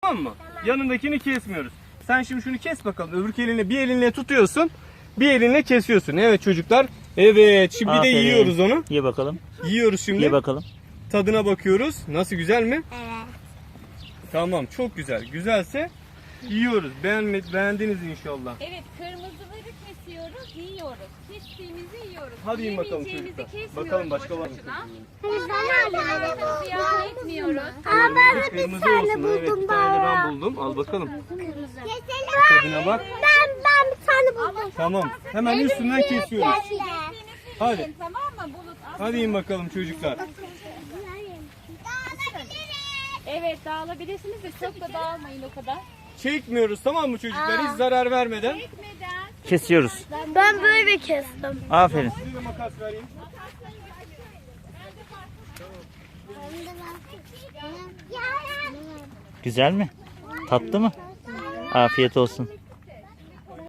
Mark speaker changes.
Speaker 1: Tamam mı? Yanındakini kesmiyoruz. Sen şimdi şunu kes bakalım. Öbür elinle, bir elinle tutuyorsun. Bir elinle kesiyorsun. Evet çocuklar. Evet. Şimdi de
Speaker 2: Aferin.
Speaker 1: yiyoruz onu.
Speaker 2: Ye bakalım.
Speaker 1: Yiyoruz şimdi.
Speaker 2: Ye bakalım.
Speaker 1: Tadına bakıyoruz. Nasıl, güzel mi?
Speaker 3: Evet.
Speaker 1: Tamam, çok güzel. Güzelse yiyoruz. Beğendiniz inşallah.
Speaker 4: Evet, kırmızıları kesiyoruz, yiyoruz. Kestiğimizi yiyoruz.
Speaker 1: Hadi yiyin bakalım
Speaker 4: Yemeyeceğimizi
Speaker 1: çocuklar.
Speaker 4: kesmiyoruz
Speaker 1: Bakalım başka
Speaker 4: boşu
Speaker 1: var mı?
Speaker 4: boşuna. Ziyan etmiyoruz.
Speaker 3: Ben de bir
Speaker 1: Kırmızı
Speaker 3: tane
Speaker 1: olsun. Evet,
Speaker 3: buldum
Speaker 1: bir tane de
Speaker 3: daha.
Speaker 1: ben buldum. Al bakalım.
Speaker 3: Keselim.
Speaker 1: Tadına bak.
Speaker 3: Ben bir tane buldum.
Speaker 1: Tamam. Hemen üstünden kesiyoruz. Hadi.
Speaker 4: Yiyin, tamam mı Bulut?
Speaker 1: Hadi yiyin bakalım çocuklar.
Speaker 4: Evet, dağılabilirsiniz de çok da dağılmayın o kadar.
Speaker 1: Çekmiyoruz, tamam mı çocuklar? Hiç zarar vermeden.
Speaker 4: Çekmeden.
Speaker 2: Kesiyoruz.
Speaker 3: Ben böyle kestim.
Speaker 2: Aferin.
Speaker 1: Size de makas vereyim.
Speaker 2: Güzel mi? Tatlı mı? Afiyet olsun.